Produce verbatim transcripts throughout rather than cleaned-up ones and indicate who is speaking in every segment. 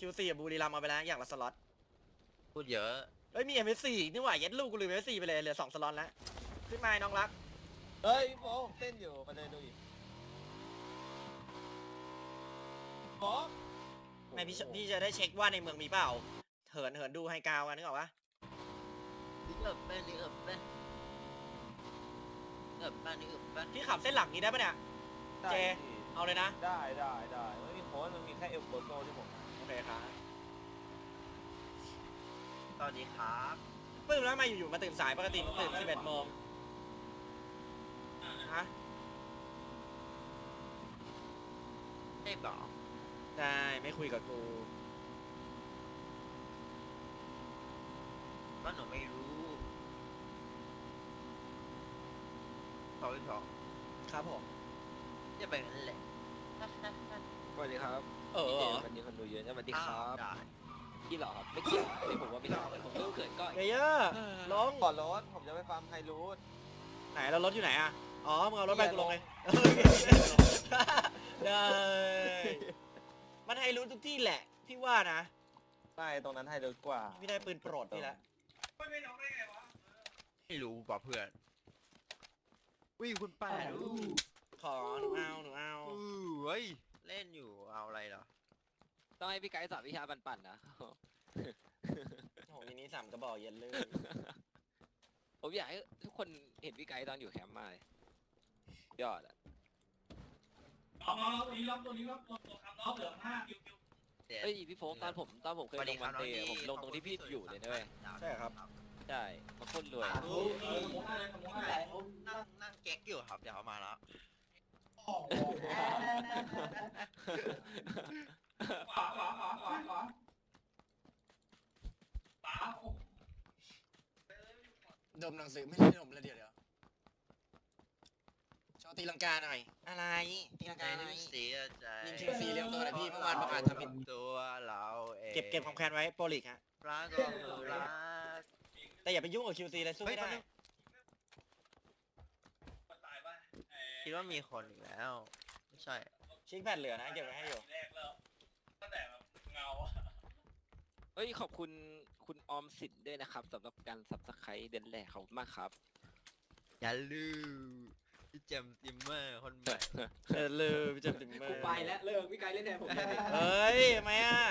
Speaker 1: คิวซีกับบุรีรัมย์เอาไปแล้วอย่างละสล็อต
Speaker 2: พูดเยอะ
Speaker 1: เฮ้ยมี เอ็ม เอส สี่นี่หว่ายัดลูกกูลืม เอ็ม เอส สี่ไปเลยเหลือสองสล็อตแล้วขึ้นมาน้องรัก
Speaker 3: เฮ้ยพี่โป๊เต้นอยู่มาเดินดูอีกโป๊
Speaker 1: ไม่พี่พี่จะได้เช็คว่าในเมืองมีเปล่าเหินเหินดูไฮกราวกันนึกออกปะ
Speaker 2: ลิเอิบแม่ลิเอิบแม่ลิเอิบแม่ลิเอิบแม่
Speaker 1: พี่ขับเส้นหลักนี้ได้ปะเนี่ยเจเอาเลยนะ
Speaker 3: ได้ได้ได้ไม่มีโค้ดมันมีแค่เอลโกโซที่ผม
Speaker 1: โอเคครับ
Speaker 2: สวัสดีครับ
Speaker 1: ปื้มแล้วมาอยู่ๆมาตื่นสายปกติตื่นสิบเอ็ดโมงฮะ
Speaker 2: ใช่เปล่า
Speaker 1: ได้ไม่คุยกับกู
Speaker 2: ว่าหนูไม่รู้สองสอง
Speaker 1: ครับผม
Speaker 2: จะไปนั่นแหละ
Speaker 3: สวัสดีครับ
Speaker 1: เออ
Speaker 3: วันนี้คนดูเยอะนะสวัสดีครับ
Speaker 2: ได้
Speaker 3: พี่หรอครับไม่เกี่ยวไม่ผมว่าไม่ใช่ผมเริ่มเขินก่อน
Speaker 1: เยอะลง
Speaker 3: ก่อนรถผมจะไปฟาร์มไฮรูท
Speaker 1: ไหนแล้วรถอยู่ไหนอ่ะอ๋อมึงเอารถไปกูลงเลยได้มันไฮรูททุกที่แหละพี่ว่านะ
Speaker 3: ใช่ตรงนั้นไฮรูทกว่า
Speaker 1: พี่ได้ปืนโปรดพี่ละ
Speaker 2: ไม่น้องได้ไงวะไม่รู้ป่ะเพื่อนวิ่งคุณป้าดู
Speaker 1: ขอหนูเอาหนูเอา
Speaker 2: เฮ้ยเล่นอยู่เอาอะไรเหรอ
Speaker 3: ต้องให้พี่ไกด์สอนวิชาปั่นๆนะ
Speaker 1: โอ้มินิสามกระบอกเย็นเลย
Speaker 3: ผมอยากให้ทุกคนเห็นพี่ไกด์ตอนอยู่แคมป์มาเลยยอดอ่ะ
Speaker 4: น้องน้องตัวนี้ล็อกตัวนี้ล็อกตัวตัวครับน้องเหลือห้าคิวคิว
Speaker 3: เฮ้ยพี่โฟกตอนผมตอนผมเคยลงวันเตะผมลงตรงที่พี่อยู่เลยนะเว้ย
Speaker 1: ใช่ครับ
Speaker 3: ใช่มาโคตรรวย
Speaker 2: นั่งนั่งเก๊กอยู่ครับเดี๋ยวเขามาแล้ว
Speaker 4: ขวาขวาขวาขวาขวาขวา
Speaker 1: ดมหนังสือไม่ใช่ดมแล้วเดี๋ยวเดี๋ยวชอบตีลังกาหน่อยอะไรตีลังกาหน่อย
Speaker 2: เสียใจ
Speaker 1: ยิงชิงซีเรียมตัวหน่อยพี่เมื่อวานประกาศทำผิด
Speaker 2: ตัวเราเอง
Speaker 1: เก็บเก็บความแค้นไว้โปรลิกฮะ
Speaker 2: รักก็คือรัก
Speaker 1: แต่อย่าไปยุ่งกับคิวซีเลยสู้ไม่ได้
Speaker 2: คิดว่ามีคนอีกแล้วไม่ใช่
Speaker 1: ชิคแพดเหลือนะเก็บไว้ให้อยู่
Speaker 4: แรกแล้วตั้งแต่แบบเงา
Speaker 3: เฮ้ยขอบคุณคุณออมสินด้วยนะครับสำหรับการซับสไครต์เดือนแรกขอบคุณมากครับ
Speaker 2: อย่าลืมพี่เจมส์ติมเมอร์คนใหม่
Speaker 1: เออลืมพี่เจมส์ติมเมอร์
Speaker 3: กูไปแล้วเลิกพี่ไกด์เล่นแทนผม
Speaker 1: เฮ้ยทำไมอ่ะ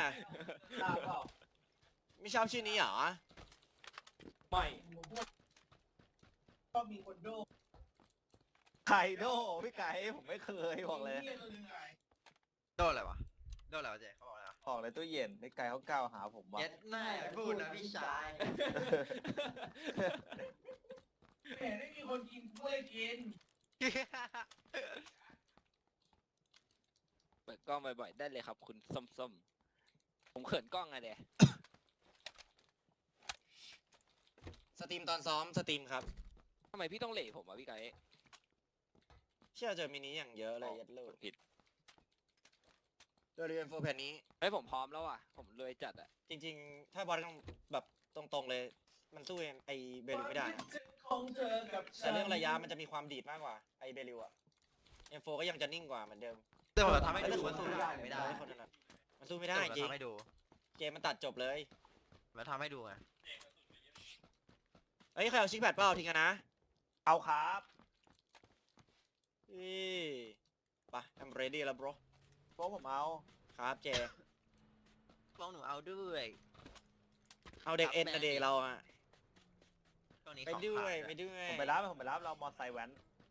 Speaker 1: ไม่ชอบชื่อนี้เหรอ
Speaker 4: ไม่ก็มีคนโด
Speaker 3: ไข่โดพี่ไก่ผมไม่เคยบอกเลย
Speaker 2: โดนอะไรวะโดนอะไรวะเจ๊เขาบอกอะไร
Speaker 3: บอกเลยตู้เย็นพี่ไก่เขาก้าวหาผมว่า
Speaker 2: เย็ดหน้าพูดนะพี่ชาย
Speaker 4: เห็นไม่มีคนกินกล้วยกิน
Speaker 3: เปิดกล้องบ่อยๆได้เลยครับคุณส้มๆผมเขินกล้องไงเด้
Speaker 1: สตรีมตอนซ้อมสตรีมครับ
Speaker 3: ทำไมพี่ต้องเหล่ผมอ่ะพี่ไก่
Speaker 1: เชื่อเจอมินิอย่างเยอะเลยยัดลูก
Speaker 3: ผิด
Speaker 1: โดยเรียนโฟร์แผ่นนี้
Speaker 3: เฮ้ยผมพร้อมแล้วอ่ะผมรวยจัดอ่ะ
Speaker 1: จริงๆถ้าบอลต้องแบบตรงๆเลยมันสู้ไอเบลิวไม่ได้แต่เรื่องระยะมันจะมีความดีดมากกว่าไอเบลิวอะเอ็มโฟก็ยังจะนิ่งกว่าเหมือนเดิม
Speaker 2: แต่ผมทำให้ดูมันสู้ไม่ได้ไม่ได้
Speaker 1: มันสู้ไม่ได้จริงเกมมันตัดจบเลย
Speaker 2: มาทำให้ดูไง
Speaker 1: เฮ้ยใครเอาชิคแพดเปล่าทิ้งกันนะ
Speaker 3: เอาครับ
Speaker 1: อีไป I'm ready แล้ว bro
Speaker 3: โป๊ผมเอา
Speaker 1: ครับเจ
Speaker 2: ฟ้องหนูเอาด้วย
Speaker 1: เอาเด็กเอ็นนะเด็กเราอะไปด้วยไปด้วย
Speaker 3: ผมไปรับผมไปรับเรามอไซค์แว้น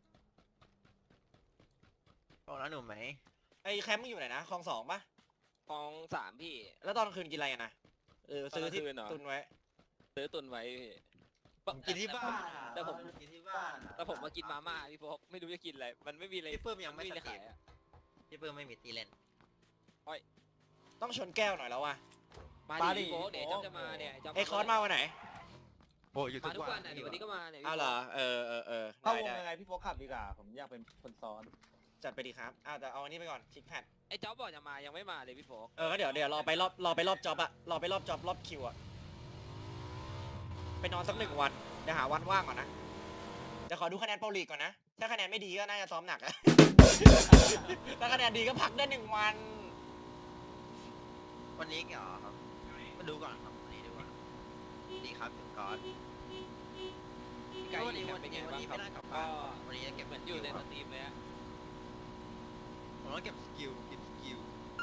Speaker 2: ฟ้องแล้วหนูไหม
Speaker 1: ไอแคมป์มึงอยู่ไหนนะคลองสองปะ
Speaker 3: คลองสามพี่
Speaker 1: แล้วตอนกลางคืนกินอะไรกันนะเออซื้อที่ตุนไว้
Speaker 3: ซื้อตุนไว้
Speaker 2: กินที่บ้าน
Speaker 3: แต่ผม
Speaker 2: กินที่บ้าน
Speaker 3: แต่ผมมากินมาม่าพี่พกไม่รู้จะกินอะไรมันไม่มีอะไร
Speaker 2: พี่เพิ่มยังไม่
Speaker 3: ขายอ่ะ
Speaker 2: พี่เพิ่มไม่มีตีเล่น
Speaker 1: อ้อยต้องชนแก้วหน่อยแล้วว่ะ
Speaker 3: มาดิโป๊เดี๋ยวจำจะมาเนี่ย
Speaker 1: ไอคอนมาวันไหน
Speaker 2: โอ้ยอยู่
Speaker 3: ทุกวันอ่ะเดี๋ยววันนี้ก็มาเนี่ย
Speaker 1: อ้าวเหรอเออเออเออ
Speaker 3: เข้าวงยังไงพี่โป๊ขับดีกว่าผมอยากเป็นคนซ้อน
Speaker 1: จัดไปดีครับอ้าวแต่เอาอันนี้ไปก่อนชิคแพด
Speaker 3: ไอ้จ๊อบบอกจะมายังไม่มาเลยพี่โป๊
Speaker 1: เออก็เดี๋ยวเดี๋ยวรอไปรอบรอไปรอบจ็อบอะรอไปรอบจ็อบรอบคิวอะไปนอนสักหนึ่งวันเดี๋ยวหาวันว่างก่อนนะเดี๋ยวขอดูคะแนนโปรลีกก่อนนะถ้าคะแนนไม่ดีก็น่าจะซ้อมหนักอะถ้าคะแนนดีก็พักได้หนึ่งวัน
Speaker 2: วันนี้เหรอครับมาดูก่อนครับวันนี้ดีกว่าดีครับถึงก่อน
Speaker 3: ไก่
Speaker 2: วันนี้
Speaker 3: ยิง
Speaker 2: วัน
Speaker 3: เป็นไง
Speaker 2: นี้วัน
Speaker 3: บ้าง
Speaker 2: นี้
Speaker 3: ครั
Speaker 2: ไม่
Speaker 3: บ
Speaker 2: ได้กลับ
Speaker 3: ก็
Speaker 2: บ้านวันนี้จะเก็บ
Speaker 3: เหมือนอยู่ใน
Speaker 2: ส
Speaker 3: สตรีมเลยอะ
Speaker 2: ผมต้องเก็บสกิลเก็บสกิล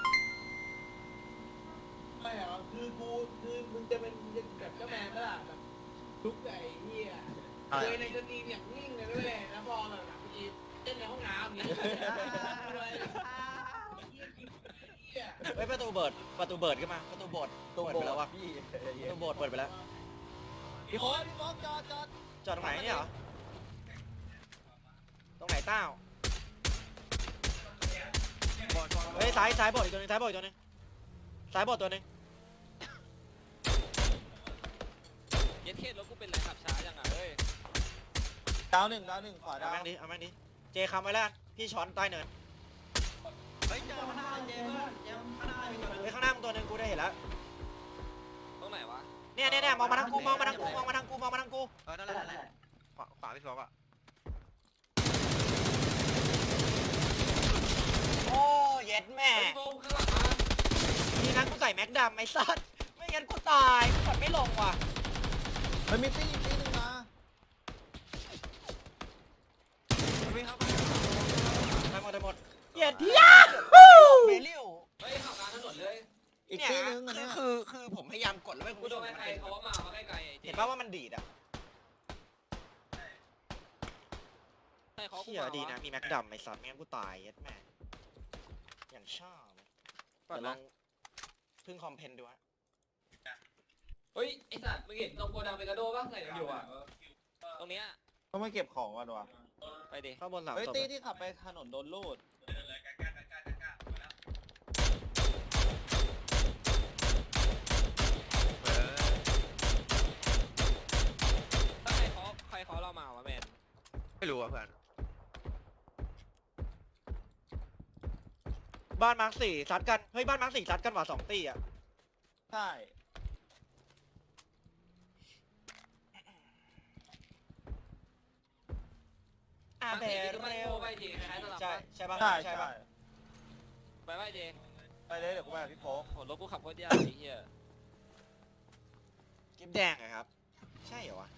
Speaker 5: ไม่เหรอคือกูคือมึงจะเป็นแบบเจ้าแมนปะล่ะแบบทุกไอ้เหี้ย
Speaker 2: อะไร
Speaker 5: เคยในสตรีมอย่างนิ่งเลยด้วยแล้วพอแบบหลังทีเต้นในห้องน้ำอย่างเงี้ยเลยเหี้ย
Speaker 1: เฮ้ยประตูเบิดประตูเบิดขึ้นมาประตูโบดเปิดไปแล้ววะประตูโบดเปิดไปแล้ว
Speaker 5: พี่โค้ดพี่โค้ดจอดจอด
Speaker 1: จอดตรงไหนเนี่ยเหรอตรงไหนเต้า
Speaker 2: บอลบอล
Speaker 1: เฮ้ยซ้ายซ้ายโบดอีกตัวหนึงซ้ายโบดอีกตัวหนึงซ้ายโบดตัวหนึง
Speaker 3: เย็ดเคสรถกูเป็นไรขับช้าจังอ่ะเฮ้ย
Speaker 5: ดาวหนึ่งดาวหนึ่งขวา
Speaker 1: เอา
Speaker 5: ดาว
Speaker 1: แม่งดิเอาแม่งดิเจคำไว้แล้วกันพี่ช้อนใต้เนิน
Speaker 2: เฮ้ยเจอข้างหน้าเจมส์เจมส์ข้างหน้ามีตัวนึง
Speaker 1: เฮ้ยข้างหน้ามึงตัวหนึงกูได้เห็นแล้ว
Speaker 3: ตรงไหนวะ
Speaker 1: เนี่ยเนี่ยเนี่ยมองมาทางกูมองมาทางกูมองมาทางกูมองมาทางกู
Speaker 2: เออนั่นแหละนั่นแหละขวาขวาพี่ฟอกอะ
Speaker 1: โอ้เย็ดแม่
Speaker 3: เฮ้ยโฟมข้างหลังมา
Speaker 1: ทีนั้นกูใส่แม็กดำไอ้สัสไม่งั้นกูตายกูกดไม่ลงว่ะ
Speaker 5: มันมีตีตีหนึ่งมา
Speaker 2: วิ่งเข้าไป
Speaker 1: ไปหมดไปหมดเย็ดที่เบลิว
Speaker 3: เฮ้ยขับกลางถนนเลย
Speaker 5: อีก
Speaker 1: เนี่ย
Speaker 5: ตีหนึ่งอัน
Speaker 1: คื
Speaker 5: เนี้
Speaker 1: อย คือคือผมพยายามกดแล้วไม่
Speaker 3: กู
Speaker 1: กู
Speaker 3: โด
Speaker 1: โด
Speaker 3: น
Speaker 1: น
Speaker 3: ใครๆเขาว่ามามาใกล้ๆไอ้เจ
Speaker 1: เห็นป่าวว่ามันดีดอ่ะ
Speaker 3: ใช่เขากู
Speaker 1: เชี่ย
Speaker 3: มา
Speaker 1: ดี
Speaker 3: วะ
Speaker 1: นะมีแม็กดำไอ้สัสไม่งั้นกูตายเย็ดแม่อย่างชอบ
Speaker 3: ก่อน
Speaker 1: เดี๋ยวล
Speaker 3: นะ
Speaker 1: องพึ่งคอมเพนดูฮะ
Speaker 3: เฮ้ยไอสัตว์มึงเห็นตรงโกดังเปกาโดป่ะใส่กันอยู่อ่ะตรงเนี้ย
Speaker 5: เขาไม่เก็บของกันวะ
Speaker 3: ไปดิ
Speaker 1: ข้างบนสาม
Speaker 5: เฮ้ย
Speaker 1: ศพ
Speaker 5: ตีที่ขับไปถนนโดนลูด
Speaker 2: เออ
Speaker 3: ถ้าใครเขาใครเขาเรามาวะแมน
Speaker 2: ไม่รู้อ่ะเพื่อน
Speaker 1: บ้านมาร์คสี่ซัดกันเฮ้ยบ้านมาร์คสี่ซัดกันว่ะสองตีอ่ะ
Speaker 5: ใช่
Speaker 1: อาเบ
Speaker 3: เร็
Speaker 1: เร็ว
Speaker 3: ไปดิคล้ายๆสลับ
Speaker 1: ใช่
Speaker 3: ปะ
Speaker 1: ใช่ปะ
Speaker 5: ใช่
Speaker 1: ใช่
Speaker 5: ใช่
Speaker 1: ปะ
Speaker 3: ไปไปเจ
Speaker 5: ไปเลยเดี๋ยวกูไปกับพี่โป๊ก
Speaker 3: โหรถกูขับโคตรยากไอ้เหี้ย
Speaker 1: กิ๊บแดงเหรอะครับ ใช่เหรอวะ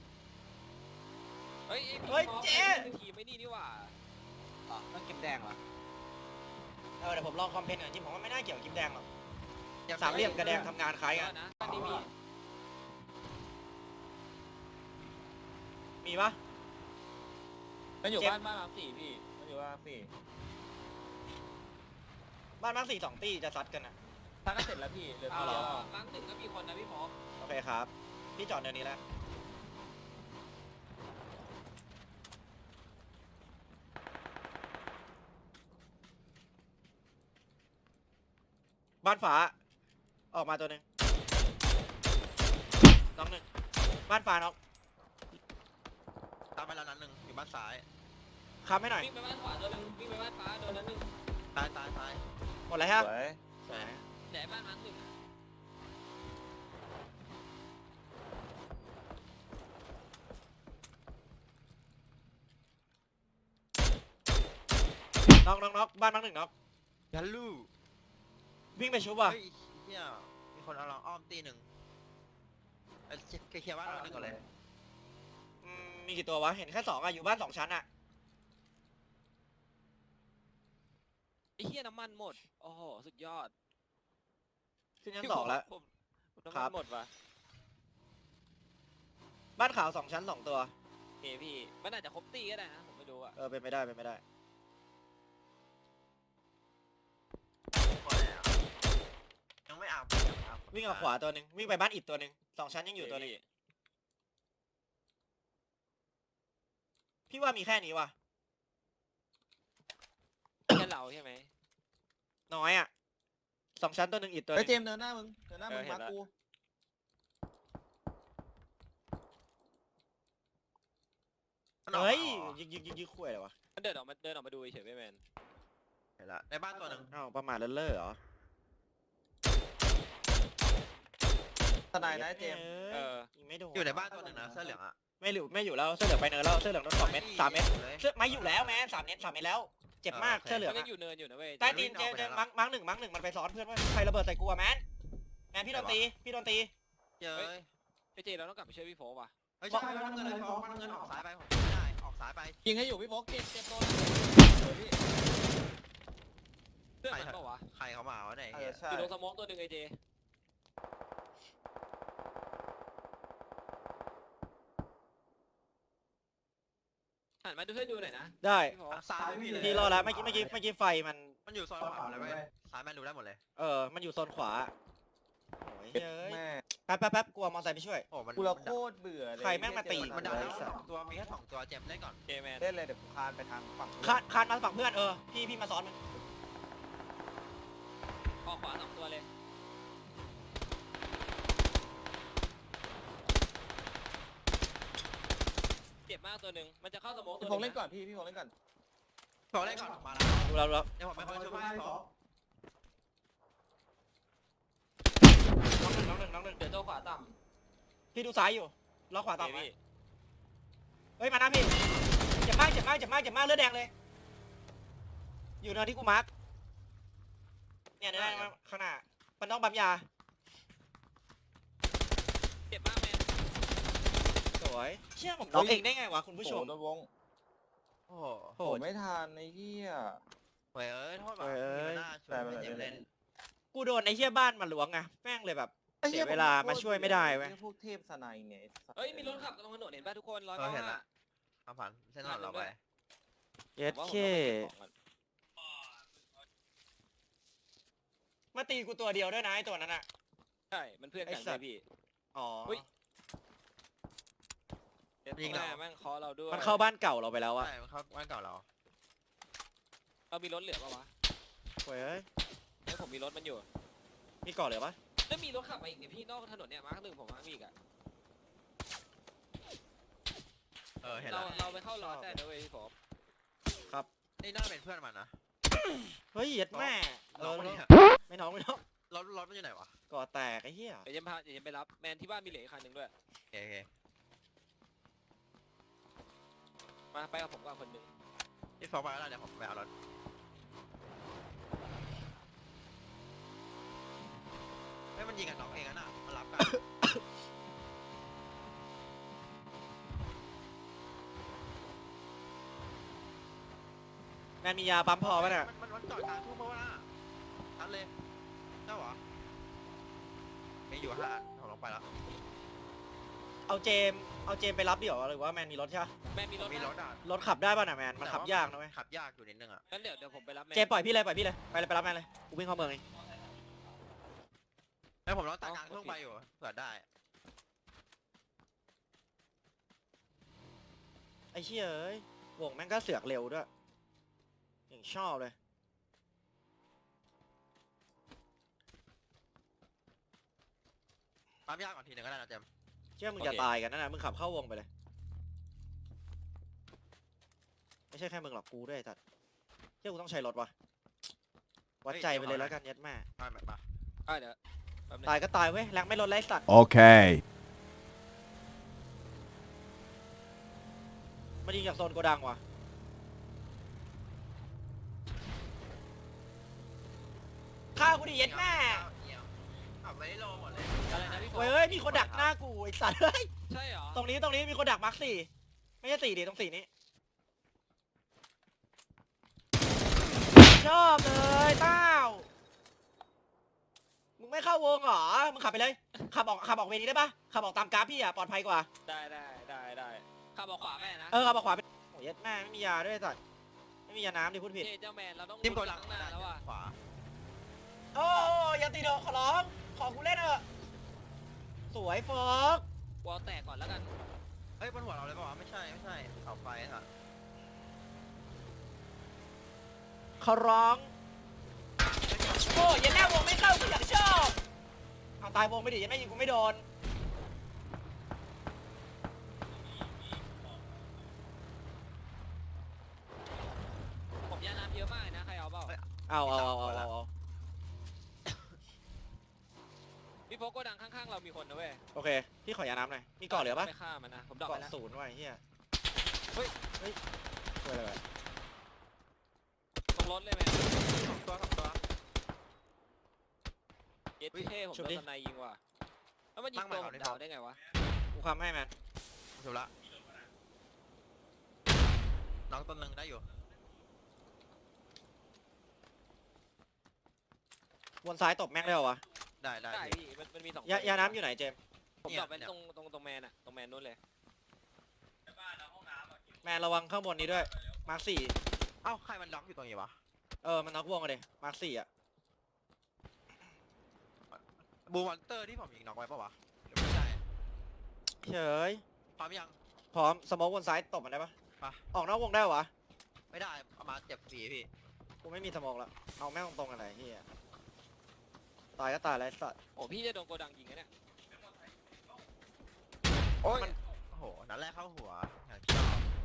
Speaker 3: เฮ้ย
Speaker 1: เฮ้ยเจ๊
Speaker 3: ทีมไม่นี่นี่หว่า
Speaker 1: อ๋อต้องกิ๊บแดงเหรอเออเดี๋ยวผมลองคอมเพนหน่อยจริงผมว่าไม่น่าเกี่ยวกับกิ๊บแดงหรอกสามเหลี่ยมกับแดงทำงานคล้ายกัน
Speaker 3: นะอันนี้มี
Speaker 1: มีปะ
Speaker 5: มันอยู่
Speaker 1: เจ็บ
Speaker 5: บ้านบ้านมาร์คสี่พี่มันอยู่บ้านมาร์คสี่
Speaker 1: บ้านมาร์คสี่สองตีจะซัดกันอ่ะ
Speaker 5: ถ้าก็เสร็จแล้วพี่เหลือ
Speaker 3: เอา
Speaker 5: พี่
Speaker 3: เหร
Speaker 5: เดี
Speaker 3: อ
Speaker 5: ยว
Speaker 3: มั้งหนึ่งก็มีคนนะพี่พอ
Speaker 1: โอเคครับพี่จอดเนินนี้แล้วบ้านฝาออกมาตัวหนึ่งน้องหนึ่งบ้านฝาน้อง
Speaker 2: ตามไปแล้วนั้นหนึ่งอยู่บ้านซ้าย
Speaker 1: ค้ำให้หน่อย
Speaker 3: วิ่งไปบ้านขวาโดนนึงวิ่งไปบ้านฟ้าโดนนั้นหนึ่ง
Speaker 2: ซ้ายซ้ายซ้าย
Speaker 1: หมดแล้วฮะ
Speaker 5: สวย
Speaker 1: สวย
Speaker 3: ไหนบ้านมั้งหนึ่งอะ
Speaker 1: น้องน้องน้องบ้านน้องหนึ่งน้อง
Speaker 2: ยันลู
Speaker 1: วิ่งไปชุบว่ะ
Speaker 2: เฮ้ยเฮียมีคนเอาเราอ้อมตีหนึ่งเอ้ยเคลียร์บ้านเราหนึ่งก่อนเลย
Speaker 1: อืมมีกี่ตัววะเห็นแค่สองอะอยู่บ้านสองชั้นอะ
Speaker 3: ไอ้เหี้ยน้ำมันหมดโอ้โหสุดยอด
Speaker 1: ขึ้นชั้นสองแล้ว
Speaker 3: ผมผมน้ำ
Speaker 1: ครั
Speaker 3: มั
Speaker 1: บ
Speaker 3: นหมดว่ะ
Speaker 1: บ้านขาวสองชั้นสองตัว
Speaker 3: เอยพี่มันอาจจะครบตีก็ได้นะผมไม่รู้อะ
Speaker 1: เออเป็นไปได้เป็นไปได้
Speaker 2: พอแล้วยังไม่อาบยังไม่อาบ
Speaker 1: วิ่งออกขวาตัวหนึ่งวิ่งไปบ้านอิดตัวหนึ่งสองชั้นยังอยู่ตัวหนึงพี่ว่ามีแค่นี้ว่ะ
Speaker 3: แค่เราใช่ไหม
Speaker 1: น้อยอะสองชั้นตัวหนึ่งอิดตัวห
Speaker 5: เฮ้ย
Speaker 1: นึ่ง
Speaker 5: เจมส์เดินหน้ามึงเดินหน้ามึง
Speaker 3: เออเห็น
Speaker 5: มาร์ค
Speaker 3: ละ
Speaker 5: กู
Speaker 2: มันออก
Speaker 1: เฮ้ย
Speaker 2: อ๋อ
Speaker 1: ยิงยิงยิงยิงคุยอะไรวะ
Speaker 3: มันเดินออกมาเดินออกมาดูเฉยๆไม่แมน
Speaker 2: เห็นละในบ้านตัวหนึ่ง
Speaker 1: เอ้าประมาทเลิศเล่อเหรอ
Speaker 5: ทนายนะเจมส์
Speaker 3: เออ
Speaker 1: ยิงไม่โดน
Speaker 2: อยู่ในบ้านตัวหนึ่งนะเสื้อเหลืองอะ
Speaker 1: ไม่อยู่ไม่อยู่แล้วเสื้อเหลืองไปเนินแล้วเสื้อเหลืองโดนสองเม็ดสามเม็ด
Speaker 2: เลย
Speaker 1: เสื้อไม่อยู่แล้วแม่สามเม็ดสามเม็ดแล้ว เจ็บมาก
Speaker 2: เออโอเค
Speaker 1: เสื้อเหลือง
Speaker 3: มันยั
Speaker 1: อะ
Speaker 3: งอยู่เนินอยู่นะเว้ย
Speaker 1: ใต้ตีน
Speaker 2: วิ่ง
Speaker 1: เจ
Speaker 2: ออกไป
Speaker 1: เจ
Speaker 2: แล้ว
Speaker 1: มังมังหนึ่งมังหนึ่งมันไปซ้อนเพื่อนว่าใครระเบิดใส่กูอะแมนแมนพี่โดนตีพี่โดนตี
Speaker 2: เย้ย
Speaker 3: ไอเจเราต้องกลับไปช่วยพี่โฟว่ะ
Speaker 2: เฮ้ยใช่บ้านเงินเลยบ้านเงินออกซ้ายไปผมไม่ได้ออกซ้ายไป
Speaker 5: ยิงให้อยู่พี่โฟกเก็บเก็บโดนสวยพี่
Speaker 3: เพื่อนมันเปล่าวะ
Speaker 2: ใครเขามาวะเนี่ย
Speaker 6: เอ
Speaker 2: เฮี
Speaker 6: อย ใช่
Speaker 3: อยู่ตรงสโมองตัวหนึ่งไอเจหันมาดูให้ดูหน่อยนะ
Speaker 1: ได้
Speaker 3: พี่โฟ
Speaker 2: ซ้ายพี่เลย
Speaker 1: พี่รอแล้วเมื่อกี้เมื่อกี้เมื่อกี้ไฟมัน
Speaker 2: มันอยู่ซอยขวาเลยเว้ยซ้ายแม่นดูได้หมดเลย
Speaker 1: เออมันอยู่โซนขวาโอ้ยเฮ้ย
Speaker 6: แม่
Speaker 1: แป๊บแป๊บแป๊บกลัวมอเตอร์ไซค์ไปช่วย
Speaker 2: โอ้มัน
Speaker 6: กูละโคตรเบื่อเลย
Speaker 1: ใครแม่งมาตี
Speaker 2: มันดังแล้วสองตัวมีแค่สองตัวเจ็บเล่นก่อน
Speaker 3: เจแมน
Speaker 6: เล่นเลยเดี๋ยวกูคานไปทางฝั่ง
Speaker 1: คานคานมาฝั่งเพื่อนเออพี่พี่มาซ้อนมัน
Speaker 3: ออกขวาสองตัวเลยเจ็บมากตัวหนึ่งมันจะเข้าสโมองตัว
Speaker 5: พี่
Speaker 3: ห
Speaker 5: โฟ
Speaker 3: นึ่ง
Speaker 5: กเล่นก่อนพี่พี่โฟกเล่นก่อน
Speaker 2: ขอเล่นก่อนมาแล้ว
Speaker 1: ดูแล้วดูแล้ว
Speaker 2: เดี๋ยวผมไปคอยช่วยบ้านสอง
Speaker 1: น้องหนึ่งน้องหนึ่งน้องหนึ่ง
Speaker 3: เดี๋ยวตัวขวาต่
Speaker 1: พี่ดูซ้ายอยู่ล็อกขวา
Speaker 3: ำ
Speaker 1: ต่อ
Speaker 3: เจ
Speaker 1: ไป
Speaker 3: พี่
Speaker 1: เฮ้ยมานะพี่เจ็บมากเจ็บมากเจ็บมากเจ็บมากเลือดแดงเลย อยู่เนินที่กูมาร์คเนี่ยเนี่ยเนี่ยข้างหน้ามันต้องปั๊มยา
Speaker 3: เจ็บมากแมน
Speaker 1: สวยเชื่อผมน้องเองได้ไงวะคุณผู้ชม
Speaker 5: โอ้โหโดนวง
Speaker 2: โอ้โห
Speaker 1: โห
Speaker 5: โอ้ไม่ทันไอ้เหี้ย
Speaker 2: เฮ้ยเอ้ยโทษว่ะ
Speaker 1: เฮ้ยเอ้ย
Speaker 2: มีหน้าช่วยไม่เจ็บเล่น
Speaker 1: กูโดนไอ้เหี้ยบ้านมันหลวงไงแม่งเลยแบบ เสียเวลามาช่วยไม่ได้เว้ย
Speaker 5: พวกเทพสไนเนี่ย
Speaker 3: เฮ้ยมีรถขับตรงถนนเห็นป่ะทุกคนร้อย
Speaker 2: เออ
Speaker 3: เก้า
Speaker 2: เห็น
Speaker 3: ห้า
Speaker 2: ละเอาผ่านเส้นถนนเราไป
Speaker 1: เย็ดเคมาตีกูตัวเดียวด้วยนะไอ้ตัวนั้นอ่ะ
Speaker 3: ใช่มันเพื่อนกัน
Speaker 1: ไอ้สั
Speaker 3: เล
Speaker 1: ต
Speaker 3: ย
Speaker 1: ว์
Speaker 3: พี่
Speaker 1: อ๋อ
Speaker 3: อุ๊ย เจ็บแม่แม่งเคอเราด้วย
Speaker 1: มันเข้าบ้านเก่าเราไปแล้วอะ
Speaker 2: ใช่มันเข้าบ้านเก่าเรา
Speaker 3: เรามีรถเหลือปะวะ
Speaker 1: โว้ยเอ้ย
Speaker 3: เฮ้ยผมมีรถมันอยู่
Speaker 1: มีก่อนเหลือปะ
Speaker 3: แล้วมีรถขับมาอีกเนี่ยพี่นอกถนนเนี่ยมาร์คหนึ่งผมมาร์คอีกอะ
Speaker 2: เออเห็น
Speaker 3: เรา
Speaker 2: ละ
Speaker 3: เราไปเข้าร้อนได้นะเว้ยพี่ผม
Speaker 2: นี่น่าเป็นเพื่อนมันนะ
Speaker 1: เฮ้ยเย็ดแม่เอ
Speaker 2: น้อง
Speaker 1: อ
Speaker 2: มันเนี่ย
Speaker 1: ไม่น้องไม่น้อง
Speaker 2: รถรถมันอยู่ไหนวะ
Speaker 1: ก่อแตกไอ้เหี้ย
Speaker 3: เดี๋ยวจะพาเดี๋ยวจะไปรับแมนที่บ้านมีเหลืออีกคันหนึ่งด้วย
Speaker 2: โอเคโอเค
Speaker 3: มาไปกับผมก่อนคนหนึ่ง
Speaker 2: พี่ฟอกไปแล้วเดี๋ยวผมไปเอารถเฮ้ยมันยิงกับน้องเองอะน่ะมันรับกัน
Speaker 1: แมนมียาปั๊มพอปะเนี่ย
Speaker 2: มันมันมันจอดกลางทุ่งเพราะว่าน่ะทันเลยเจ้าเหรอมีอยู่ห้าอันผมลงไปแล้ว
Speaker 1: เอาเจมส์เอาเจมส์ไปรับเดี๋ยวหรือว่าแมนมีรถใช่ปะ
Speaker 3: แมนมีรถ
Speaker 2: มี
Speaker 3: นะ
Speaker 2: รถอ่ะ
Speaker 1: รถขับได้ป่ะน่ะแมนมันขับยากนะเว้ย
Speaker 2: ขับยากอยู่นิดนึงอ่ะ
Speaker 3: งั้นเดี๋ยวเดี๋ยวผมไปรับแมน
Speaker 1: เจมส์ปล่อยพี่เลยปล่อยพี่เลยไปเลยไปรับแมนเลยกูวิ่งเข้าเมืองเอง
Speaker 2: ไอ้ยผมลองตัดกลางทุ่งไปอยู่เผื่อได้
Speaker 1: ไอ้เชี่ยเอ้ยวงแม่งก็เสือกเร็วด้วยอย่างชอบเลย
Speaker 2: ปั๊มยากก่อนทีหนึ่งก็ได้นะเจมส์
Speaker 1: เชื่อมึงจะตายกันนั่นนะมึงขับเข้าวงไปเลย ไม่ใช่แค่มึงหรอกกูด้วยไอ้สัตว์เชื่อกูต้องใช้รถวะวัดใจไปเลยแล้วกันเย็ดแม่
Speaker 2: มาแบบมา
Speaker 3: อ่ะเดี๋ยวแป๊บนึง
Speaker 1: ตายก็ตายเว้ยแรงไม่ลดไรสัตว์
Speaker 7: Okay.
Speaker 1: มันยิงจากโซนโกดังว่ะฆ่ากูดิเย็ดแม่
Speaker 2: ขับไว้โลหมดเลย
Speaker 3: อะไรนะพี่ผม
Speaker 1: เว้ยเอ้ยมีคนดักหน้ากูไอ้สัตว์เฮ้ย
Speaker 3: ใช่เหรอ
Speaker 1: ตรงนี้ตรงนี้มีคนดักมาร์คสี่ไม่ใช่สี่ดิตรงสี่นี้ชอบเลยเต้ามึงไม่เข้าวงเหรอมึงขับไปเลยขับออกขับออกเวนี้ได้ปะขับออกตามกราฟพี่อะปลอดภัยกว่า
Speaker 3: ได้ได้ได้ได้ขับออกขวาแม่นะ
Speaker 1: เออขับออกขวาไปโอ้ยเย็ดแม่ไม่มียาด้วยไอ้สัตว์ไม่มียาน้ำดิพูดผิด
Speaker 3: เจเจ้าแมนเราต้อง
Speaker 2: จิ้มตัวหลัง
Speaker 3: ข้างหน้าแล้วว่ะ
Speaker 2: ขวา
Speaker 1: โอ้ยอย่าตีโดนขอร้องขอกูเล่นเถอะสวยโฟก
Speaker 3: วอลแตกก่อนแล้วกัน
Speaker 2: เฮ้ยบนหัวเราเลยป่าวะไม่ใช่ไม่ใช่เสาไฟค่ะ
Speaker 1: ขอร้องโอ้ยอยันแน่วงไม่เข้ากูอยากชอบเอาตายวงไปดิอยันแม่ยิงกูไม่โดน
Speaker 3: ผมยาน้ำเยอะมากเลยนะใครเอาเปล่า
Speaker 1: เอาเอาเอาเอาเอา
Speaker 3: พี่โฟกโกดังข้างๆเรามีคนนะเว้ย
Speaker 1: โอเคพี่ขอยาน้ำหน่อยมีเกาะเหลือปะ
Speaker 3: ไปฆ่ามันนะผมดรอปไป
Speaker 1: เกาะ
Speaker 3: แล้ว
Speaker 1: ศูนย์ไว้เฮีย
Speaker 3: เฮ้ย
Speaker 1: เฮ้ยช่วยอะไรวะ
Speaker 3: ตรงรถเลยแมน
Speaker 2: สองตัวสองตัว
Speaker 3: เย็ดเท่ผม
Speaker 1: ชุบ
Speaker 3: โด
Speaker 1: ดิ
Speaker 3: นสไนยิงว่ะแล้วมันยิงตัวผมดาวได้ไงวะ
Speaker 1: กูคำให้แมน
Speaker 2: ถูกละน้องต้นหนึ่งได้อยู่
Speaker 1: วนซ้ายตบแม่งได้เหรอวะ
Speaker 2: ได้ได้
Speaker 3: ได้
Speaker 2: พี่
Speaker 3: พี่มันมันมีสอง
Speaker 1: ยา
Speaker 3: ตั
Speaker 1: ยาน้ำอยู่ไหนเจมส์
Speaker 3: ผม
Speaker 2: เนี่ย
Speaker 3: ตอบไป
Speaker 2: เนี่ย
Speaker 3: ตรงตรงตรงแมนอะตรงแมนนู้นเลย
Speaker 4: ในบ้านนะห้องน้ำอ่ะ
Speaker 1: แมนระวังข้างบนนี้ด้วยมาร์คสี่
Speaker 2: เอ้าใครมันล็อกอยู่ตรงนี้วะ
Speaker 1: เออมันน็อกวงกันเลยมาร์คสี่อ่ะ
Speaker 2: บูมอนเตอร์ที่ผมยิงน็อกไว้ปะวะหรือไม่ใช่
Speaker 1: เฉย
Speaker 2: พร้อมยัง
Speaker 1: พร้อมสโมกวนซ้ายตบมันได้ปะ
Speaker 2: ไป
Speaker 1: ออกนอกวงได้เหรอวะ
Speaker 2: ไม่ได้เอามาเจ็บฟรีพี่
Speaker 1: กูไม่มีสโมกแล้วเอาแม่งตรงๆกันเลยเฮียตายก็ตายไรสัตว์
Speaker 3: โอ้พี่จะโดนโกดังยิงนะเนี่ย
Speaker 2: โอ้ยโอ้โหนัดแรกเข้าหัวอย่างที่ชอบ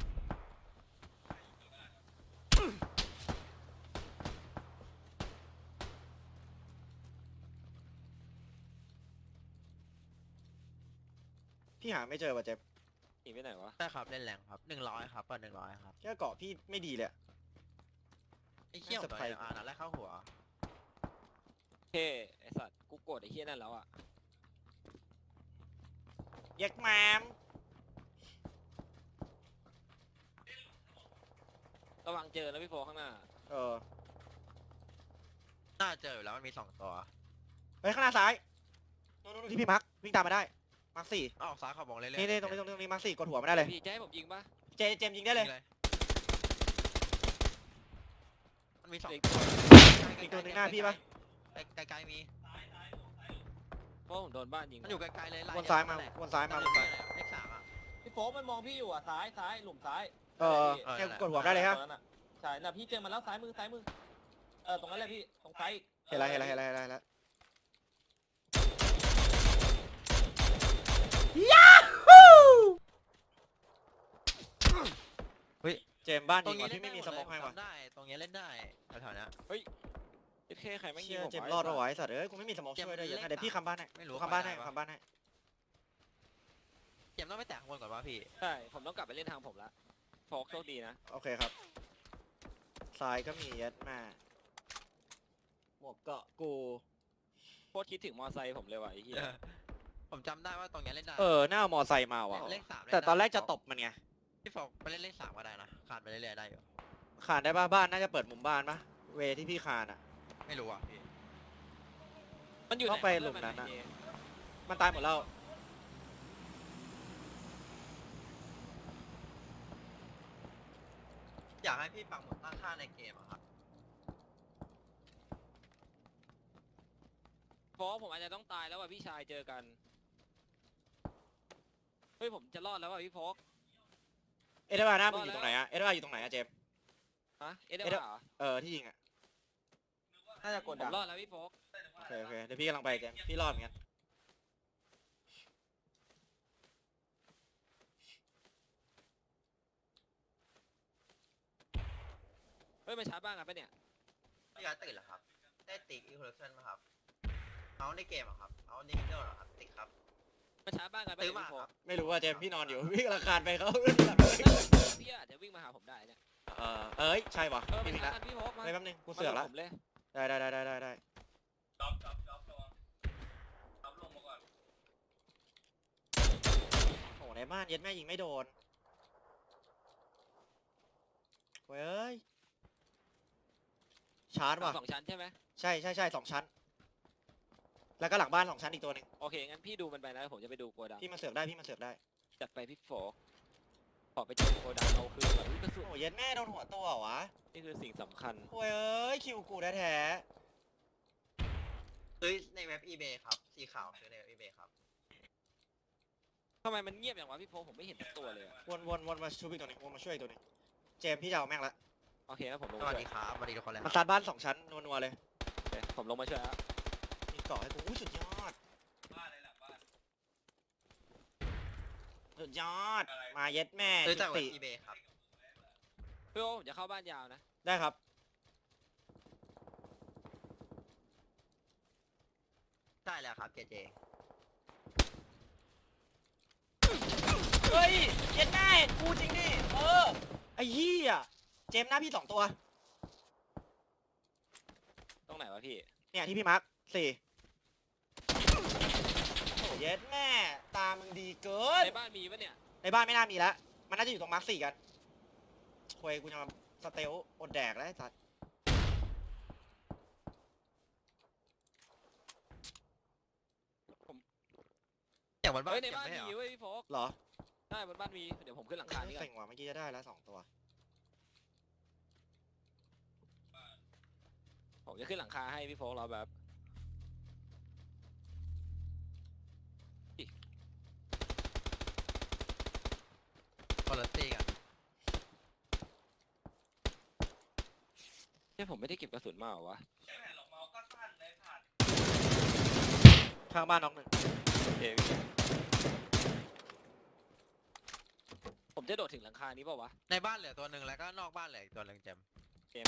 Speaker 1: พี่หาไม่เจอว่ะเจมส์
Speaker 3: หนีไปไหนวะ
Speaker 2: ใช่ครับเล่นแรงครับหนึ่งร้อยครับเปิดหนึ่งร้อยครับ
Speaker 1: แค่เกาะพี่ไม่ดีเลยอะ
Speaker 2: ไอ้เขี้ยว
Speaker 1: ไม่
Speaker 2: ตัว
Speaker 1: สะพาย
Speaker 2: อ่านัดแรกเข้าหัว
Speaker 3: เท่ไอสัตว์กูโกรธไอ้เฮียนั่นแล้วอะ
Speaker 1: เย็กแมม
Speaker 3: ระวังเจอแล้วพี่โฟข้างหน้า
Speaker 1: เออ
Speaker 2: น่าเจออยู่แล้วมันมีสองตัว
Speaker 1: เฮ้ยข้างหน้าซ้ายนู่นๆที่พี่มาร์ควิ่งตามมาได้มาร์คสี่
Speaker 2: อ้าวซ้ายเขาบอกเล่นๆ
Speaker 1: นี่นี่ตรงนี้ตรงนี้ตรงนี้มาร์คสี่กดหัวไม่ได้เลย
Speaker 3: พี่จะให้ผมยิงปะ
Speaker 1: เจเจมส์ยิงได้เลย
Speaker 2: มันมีสอง
Speaker 3: เด็ก
Speaker 2: ตัว
Speaker 1: อีกตัวหนึ่งหน้าพี่ปะ
Speaker 2: ไกลๆมี
Speaker 3: เพราะผมโดนบ้านยิง
Speaker 2: มันอยู่ไกลๆเลยไล่
Speaker 1: วนซ้ายมา
Speaker 2: นั่นแหละ
Speaker 1: วนซ้ายมา
Speaker 2: นั่น
Speaker 1: วน
Speaker 2: แห
Speaker 1: ซ้า
Speaker 2: ละ
Speaker 1: ย
Speaker 2: เลขสามอ่ะ
Speaker 5: พี่โฟกมันมองพี่อยู่อ่ะซ้ายซ้ายหลุมซ้าย
Speaker 1: เออ
Speaker 2: เออ
Speaker 1: แค่
Speaker 2: นั่นแหละ
Speaker 1: กดหัวได้เลยฮะ
Speaker 5: ตรงนั้นน่ใช่น่ะพี่เจอมันแล้วซ้ายมือซ้ายมือเออตรงนั้นแหละพี่ตรงซ้ายอีก
Speaker 1: เห็นแล้วเห็นแล้วเห็นแล้วเห็นแล้วเห็นแล้วเจมส์บ้าน
Speaker 2: ตร
Speaker 1: ยิ
Speaker 2: ง
Speaker 1: ง
Speaker 2: นี้
Speaker 1: ว่ะ
Speaker 2: เล่
Speaker 1: พี่
Speaker 2: น
Speaker 1: ไม่มี
Speaker 2: ห
Speaker 1: ส
Speaker 2: ด
Speaker 1: โม
Speaker 2: เลย
Speaker 1: กให้ว่ะ
Speaker 2: จำได้ตรงนี้เล่นได้แถวๆเนี้ย
Speaker 3: เด็กใครแม่งยิ
Speaker 1: เชี่
Speaker 3: ง
Speaker 1: ย
Speaker 3: ผม
Speaker 1: เจมส์
Speaker 3: วะ
Speaker 1: รอด
Speaker 3: ไสั
Speaker 1: เอา
Speaker 3: ตว์
Speaker 1: ไว้สัตว์เอ้ยกูไม่มีสโมกช่วยด้วยเดี๋ยวเดี๋ยวพี่คำบ้านให้
Speaker 2: ไม่รู้
Speaker 1: กูคำบ้านให้
Speaker 2: ไปไหนวะ
Speaker 1: คำบ้านให้
Speaker 2: เกมต้องไปแตะข้างบนก่อนวะพี่
Speaker 3: ใช่ผมต้องกลับไปเล่นทางผมละโฟกโชคดีนะ
Speaker 1: โอเคครับซ้ายก็มียัดมาหมวกเกาะกู
Speaker 3: โคตรคิดถึงมอไซค์ผมเลยว่ะไอ้เหี้ย
Speaker 2: ผมจำได้ว่าตรงเนี้ยเล่นได้
Speaker 1: เออหน้าเอามอไซค์มาว่ะ
Speaker 2: เลขสามเล่น
Speaker 1: แต่ตอนแรก
Speaker 2: ได้
Speaker 1: จะตบมันไง
Speaker 2: พี่ฟอกไปเล่นเลขสามก็ได้นะขาดไปเรื่อยๆได้อยู่
Speaker 1: คานได้ป่ะบ้านน่าจะเปิดมุมบ้านปะเวที่พี่คานอ่ะ
Speaker 2: ไม่รู้อ่ะพี่
Speaker 3: มันอยู่
Speaker 1: ต้อง
Speaker 3: ไหน
Speaker 1: ไป
Speaker 3: วะ
Speaker 1: หลุมนั้น
Speaker 3: เพื่อ
Speaker 1: อะ
Speaker 3: มัไหเจ
Speaker 1: มันตายหมดแล้ว
Speaker 2: อยากให้พี่ปักหมุดตั้งค่าในเกมอะครับ
Speaker 3: โฟกผมอาจจะต้องตายแล้วว่ะพี่ชายเจอกันเฮ้ยผมจะรอดแล้วว่ะพี่โฟก
Speaker 1: เอ็ดวาร์หน้ามึงอยู่ตรงไหนอะเอ็ดวาร์อยู่ตรงไหนอะเจมส์
Speaker 3: ฮะเอ็ดเด
Speaker 1: เอ็ด
Speaker 3: เหรอ
Speaker 1: เออที่ยิงอะ
Speaker 5: น่าจะกด
Speaker 3: ผ
Speaker 5: ดั
Speaker 3: ม
Speaker 5: ง
Speaker 3: รอดแล้วพี่โฟก
Speaker 1: โอเคโอเคเดี๋ยวพี่กำลังไปเจมส์พี่รอดเหมือนกัน
Speaker 3: เฮ้ยมันชาร์จบ้านกันปะเนี่ย
Speaker 2: พี่ย้ายตื่นเหรอครับ ได้ติ๊กอีโคเลชั่นไหมครับ เอาในเกมอะครับ เอาในวิดีโอเหรอครับ ติ๊กครับ
Speaker 3: มันชาร์จบ้านกันปะ
Speaker 2: ซื้อ
Speaker 3: เนี่ย
Speaker 2: มา
Speaker 3: พี่โฟ
Speaker 2: ครั
Speaker 3: ก
Speaker 2: บ
Speaker 1: ไม่รู้ว่าเจมส์พี่นอนอยู่ พี่กำลังคานไปเขา
Speaker 3: พี่อาจจะวิ่งมาหาผมได้เนี่ย
Speaker 1: เออเอ้ยใช่ปะ
Speaker 3: เออมั
Speaker 1: พี่
Speaker 3: น
Speaker 1: ผิด
Speaker 3: ชา
Speaker 1: ละ
Speaker 3: ร์จกันพี่โฟกมา
Speaker 1: เฮ้ยแป๊บนึงกูเสือกละ
Speaker 3: มาผมเลย
Speaker 1: ได้ได้ได้ได้ได้ได้
Speaker 4: จ๊อบจ๊อบจ๊อบระวังจ๊อบลงมาก่อน
Speaker 1: โอ้ในบ้านเย็ดแม่ยิงไม่โดนเว้ยชาร์จว่ะ
Speaker 3: สองชั้นใช่ไหม
Speaker 1: ใช่ใช่ใช่สองชั้น แล้วก็หลังบ้านสองชั้นอีกตัวหนึ่ง
Speaker 3: โอเคงั้นพี่ดูมันไปนะผมจะไปดูโกดัง
Speaker 1: พี่มาเสือกได้พี่มาเสือกได้
Speaker 3: จัดไปพี่โฟกขอไปเจอโกดังเอาคืนก่อนอุ๊ยกระสุน
Speaker 1: โอ้เย็ดแม่โดนหัวตัวเหรอวะ
Speaker 3: นี่คือสิ่งสำคัญ
Speaker 1: โอ้ยเอ้ยคิวกูแท้
Speaker 2: ซื้อในเว็บ eBay ครับ สีขาวซื้อในเว็บ eBay ครับ
Speaker 3: ทำไมมันเงียบอย่างวะพี่โฟกผมไม่เห็นสักตัวเลยอะ
Speaker 1: ๆวนวนวนมาช่วยอีกตัวหนึงวนมาช่วยอีกตัวหนึงเจมส์พี่จะเอาแม่งละ
Speaker 3: โอเคงั้นผมลง
Speaker 2: ส
Speaker 3: มา
Speaker 2: วัส
Speaker 3: ช่วย
Speaker 2: ดีครับ สวัสดีทุกคนเลยค
Speaker 1: มัน
Speaker 2: รับ
Speaker 1: ซัดบ้านสองชั้นนัวๆเลย
Speaker 3: โอเคผมลงมาช่วยแล้ว
Speaker 1: มีเกาะให้กูอุ้ยสุดยอด
Speaker 4: บ้านอะไรหลังบ้าน
Speaker 1: สุดยอด มาเย็ดแม่
Speaker 2: ซื้อจาก
Speaker 1: จุ
Speaker 2: เว็
Speaker 1: ติ
Speaker 2: บ eBay ครับ
Speaker 3: พี่โฟกผมจะเข้าบ้านยาวนะ
Speaker 1: ได้ครับ
Speaker 2: ได้แล้วครับเจเจ
Speaker 1: เฮ้ยเย็ดแม่กูจริงดิเออไอ้เหี้ยเจมส์หน้าพี่สองตัว
Speaker 3: ตรงไหนวะพี่
Speaker 1: เนี่ยที่พี่มาร์คสี่ย็ดแม่ตามึงดีเกิน
Speaker 3: ในบ้านมีปะเนี่ย
Speaker 1: ในบ้านไม่น่ามีแล้วมันน่าจะอยู่ตรงมาร์คสี่กันควยกูจะมาสเตลอดแดกแล้วไอ้สัส
Speaker 2: อย่างบนบ้าน
Speaker 3: เฮ้ยใน
Speaker 2: เก็บ
Speaker 3: บ้าน
Speaker 2: ไม่ใช่
Speaker 3: มี
Speaker 2: เหรอ
Speaker 3: เว้ยพี่โฟก
Speaker 1: เหรอ
Speaker 3: ใช่บนบ้านมีเดี๋ยวผมขึ้นหลังคานี่ก่อ
Speaker 1: เซ็
Speaker 3: น
Speaker 1: งว่ะเมื่อกี้จะได้แล้วสองตัว
Speaker 3: ผมจะขึ้นหลังคาให้พี่โฟกเราแบบ
Speaker 2: คนละตีกัน
Speaker 3: เนี่ยผมไม่ได้เก็บกระสุนมาเหรอวะ
Speaker 4: ใช่ไหมหรอกเมาส์ก็สั้นเลยผ่าน
Speaker 1: ข้างบ้านน้องหนึ่ง
Speaker 3: โอเคพี่ผมจะโดดถึงหลังคานี้เปล่าวะ
Speaker 2: ในบ้านเหลือตัวหนึ่งแล้วก็นอกบ้านเหลืออีกตัวหนึ่งเจม
Speaker 3: เกม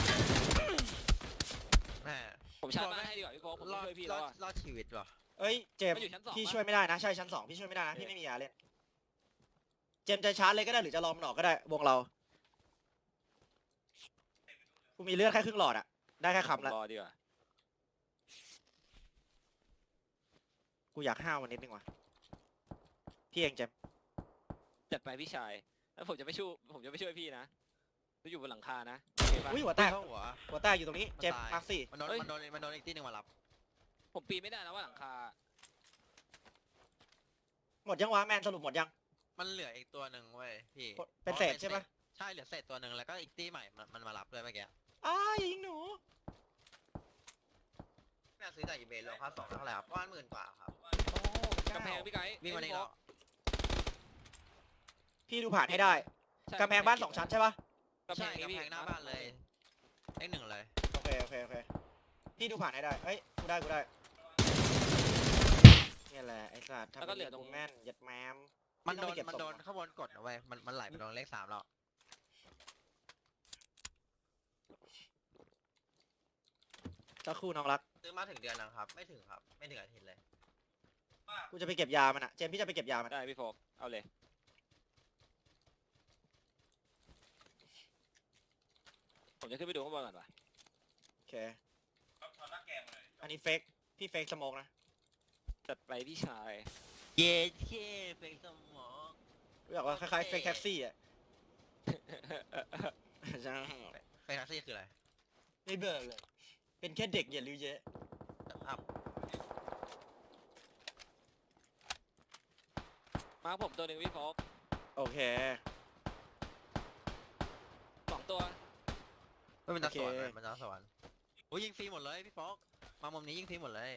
Speaker 2: แม่
Speaker 3: ผมชาร์จบ้านให้ดีกว่าพี่โฟกผม
Speaker 2: รอด
Speaker 3: ช่วยพี่
Speaker 2: ร
Speaker 3: แล้
Speaker 2: อ
Speaker 3: ว
Speaker 2: ด
Speaker 3: อะ
Speaker 2: รอดชีวิตว่ะ
Speaker 1: เอ้ยเจมส์
Speaker 3: มันอยู่ชั้นสอง
Speaker 1: พี่
Speaker 3: ปะ
Speaker 1: ช่วยไม่ได้นะใช่ชั้นสองพี่ช่วยไม่ได้นะ
Speaker 3: โอเค
Speaker 1: พี่ไม่มียาเล่นเจมส์จะชาร์จเลยก็ได้หรือจะรอมันออกก็ได้วงเรากูมีเลือดแค่ครึ่งหลอดอะได้แค่
Speaker 3: ผม
Speaker 1: คำละ
Speaker 3: รอดีกว่า
Speaker 1: กูอยากห้าวมันนิดนึงว่ะพี่เองเจมส์
Speaker 3: จัดไปพี่ชายแล้วผมจะไม่ช่วยผมจะไม่ช่วยพี่นะจะอยู่บนหลังคานะโอเคปะ
Speaker 1: อุ้ยหัวแตก
Speaker 2: เข้าหัว
Speaker 1: หัวแตกอยู่ตรงนี้เจมส์
Speaker 2: มันตาย
Speaker 1: มาร์คสี่
Speaker 2: มันโดน
Speaker 3: เฮ้ย
Speaker 2: มันโดนมันโดนอีกที่หนึ่งมารับ
Speaker 3: ผมปีนไม่ได้นะว่าหลังคา
Speaker 1: หมดยังวะแมนสรุปหมดยัง
Speaker 2: มันเหลืออีกตัวหนึ่งเว้ยพี่
Speaker 1: เป็นเศษใช่ปะ
Speaker 2: ใช่เหลือเศษตัวหนึ่งแล้วก็อีกตีใหม่มันมันมารับด้วยเมื่อกี้
Speaker 1: อ้ายยิงหนู
Speaker 2: แม่ซื้อจากอีเบย์รวมค่าสองเท่าไหร่ครับประมาณหมื่นกว่าครับ
Speaker 1: โอ้
Speaker 3: กำแพงพี่ไกด์
Speaker 2: วิ่งมาใน
Speaker 3: พี่โฟ
Speaker 2: เรา
Speaker 3: ก
Speaker 1: พี่ดูผ่านให้ได้
Speaker 3: ใช่
Speaker 1: กำแพงบ้านสองชั้นใช่ปะ
Speaker 3: กำแพ
Speaker 2: ใช่
Speaker 3: ง
Speaker 2: กำ
Speaker 3: พี่
Speaker 2: แพงหน้าบ้านเลยเลขหนึ่งเลย
Speaker 1: โอเคโอเคโอเคพี่ดูผ่านให้ได้เอ้ยกูได้กูได้เนี่ยแหละไอ้สัตว์ทำเป็นกูแม่นยัดแมม
Speaker 2: มันโดน
Speaker 1: พี่ต้องไปเก็บ
Speaker 2: มันโดน
Speaker 1: ศพ
Speaker 2: ข้างบนกดนะเว้ยมันมันไหลไปโดนเลขสามแล้ว
Speaker 1: สักครู่น้องรัก
Speaker 2: ซื้อมาถึงเดือนแล้วครับ ไม่ถึงครับ ไม่ถึงอาทิตย์เลย
Speaker 1: กูจะไปเก็บยามันอะเจมส์พี่จะไปเก็บยามัน
Speaker 3: ได้พี่โฟกเอาเลยผมจะขึ้นไปดูข้างบนก่อนว่ะ
Speaker 1: โอเค
Speaker 4: ครับถอดหน้าแกงเลย
Speaker 1: อันนี้เฟกพี่เฟกสโมกนะ
Speaker 3: จัดไปพี่ชาย
Speaker 2: เย้เย้เป็นสมอง
Speaker 1: กูอยากว่าคล้ายๆเฟกแท็กซี่อะ ใช่
Speaker 2: เฟรนซี่คืออะไร
Speaker 1: ไม่เบิกเลย เป็นแค่เด็กอย่าลือเยอะ
Speaker 2: อัพ
Speaker 3: มาผมตัวหนึ่งพี่โฟก
Speaker 1: โอเค
Speaker 3: สองตัว
Speaker 2: ไม่เป็นตาสวรรค์
Speaker 1: โอเค
Speaker 2: เลยมันตาสวรรค์โอ้ยยิงฟรีหมดเลยพี่ฟอกมามุมนี้ยิงฟรีหมดเลย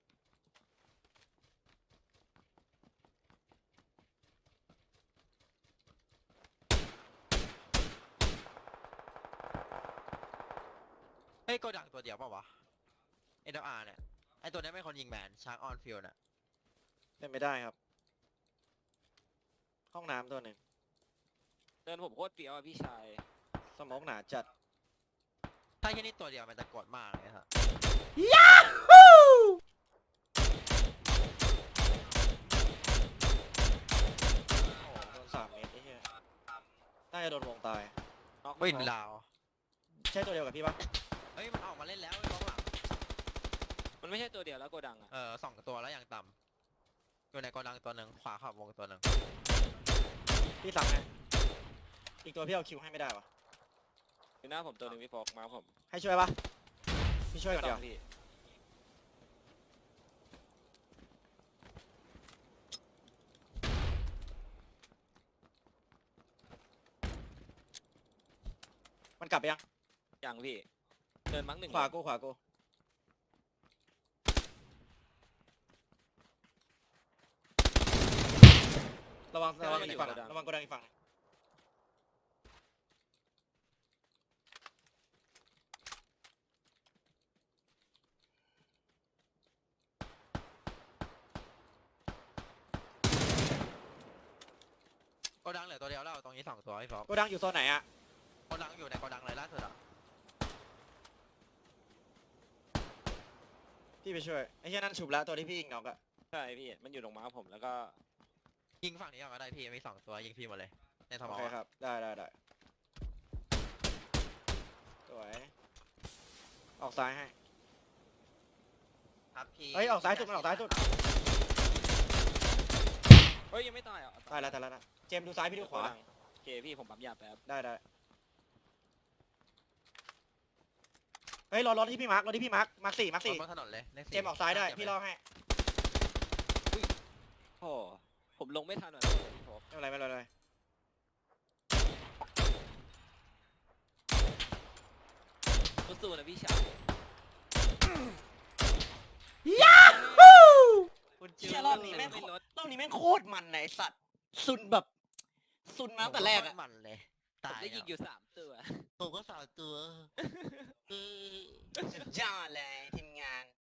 Speaker 2: เฮ้ยโกดังตัวเดียวเปล่าวะเอ็นอาร์เนี่ยไอตัวนี้ไม่คนยิงแมนชาร์กออนฟิลด์น่ะ
Speaker 1: เป็นไม่ได้ครับ ห้องน้ำตัวหนึ่ง
Speaker 3: เดินผมโคตรเปรี้ยวอ่ะพี่ชาย
Speaker 1: สโมกหนาจัด
Speaker 2: ถ้าแค่นี้ตัวเดียวมันจะกดมากเลยครับ
Speaker 1: โอ้โหโดนสามเมตรไอ้เหี้ยน่าจะโดนวงตาย
Speaker 3: น็อก
Speaker 2: วิน
Speaker 3: พี่โฟก
Speaker 2: ลาว
Speaker 1: ใช่ตัวเดียวกับพี่ปะ
Speaker 2: เฮ้ยมันออกมาเล่นแล้วไอ้บล็อกหลัง
Speaker 3: มันไม่ใช่ตัวเดียวแล้วโกดังอ่ะ
Speaker 2: เออสองตัวแล้วอย่างต่ำอยู่ในโกดังตัวหนึ่งขวาขอบวงตัวหนึ่ง
Speaker 1: พี่สั่งให้อีกตัวพี่เอาคิวให้ไม่ได้วะ
Speaker 3: อยู่หน้าผมตัวหนึ่งพี่โฟกมาผม
Speaker 1: ให้ช่วยปะพี่ช่วยก่อน
Speaker 3: ส
Speaker 1: เดี
Speaker 3: อ
Speaker 1: ยว
Speaker 3: งพี่
Speaker 1: มันกลับไปยัง
Speaker 3: ยังพี่เดินมั้งหนึ่ง
Speaker 1: ขวากูขวากูระวังระวังอีกฝั่งระวังโกดังอีกฝั่ง
Speaker 2: โกดังเหลือตัวเดียวแล้วตรงนี้สองตัวพี่ฟอก
Speaker 1: โกดังอยู่โซนไหนอะ
Speaker 2: โกดังอยู่ในโกดังเลยล่าสุดอ่ะ
Speaker 1: พี่ไปช่วยไอ้เหี้ยนั่นฉุบแล้วตัวที่พี่ยิงน้องอะ
Speaker 3: ใช่พี่มันอยู่ตรงม้าผมแล้วก็
Speaker 2: ยิงฝั่งนี้ก่อนก็ได้พี่มีสองตัวยิงพี่หมดเลยในสม
Speaker 1: โอ
Speaker 2: อง
Speaker 1: เคครับได้ได้ได้สวยออกซ้ายให้
Speaker 2: ครับพี่
Speaker 1: เฮ้ยออกซ้ายสุดมันออกซ้ายสุด
Speaker 3: ฮ้ยยังไม่ตายเหรอ
Speaker 1: ตายแล้วตายแล้วนะเจมส์ดูซ้ายพี่ดูขวา
Speaker 3: โอเคพี่ผมปั๊มยาแป๊บ
Speaker 1: ได้ได้เฮ้ยรอรถที่พี่มาร์ครถที่พี่มาร์คมาร์คสี่มาร์ค
Speaker 2: รถ
Speaker 1: สี่
Speaker 2: บนถนนเลยลขสี่
Speaker 1: เจมส์ออกซ้ายได้พี่รอให้
Speaker 3: โอ้ผมลงไม่ทันหน่อยพี่ผม
Speaker 1: ไม่เป็นไรไม่เป็นไรไม่เป็นไร
Speaker 3: สู้ๆนะพี่ชาย
Speaker 1: เชี่ยรอบนี้แม่ง
Speaker 3: ไม่ลด
Speaker 1: รอบนี้แม่งโคตรมันไหนสัตว์ซุนแบบซุนมาตั้งแต่แรกอะ
Speaker 2: มันเลย
Speaker 3: ผม
Speaker 2: ตาย
Speaker 3: ได้ยิงอยู่สามตัว
Speaker 2: ผมก็สาวตัวเออ
Speaker 1: สุดยอดเลยทีมงาน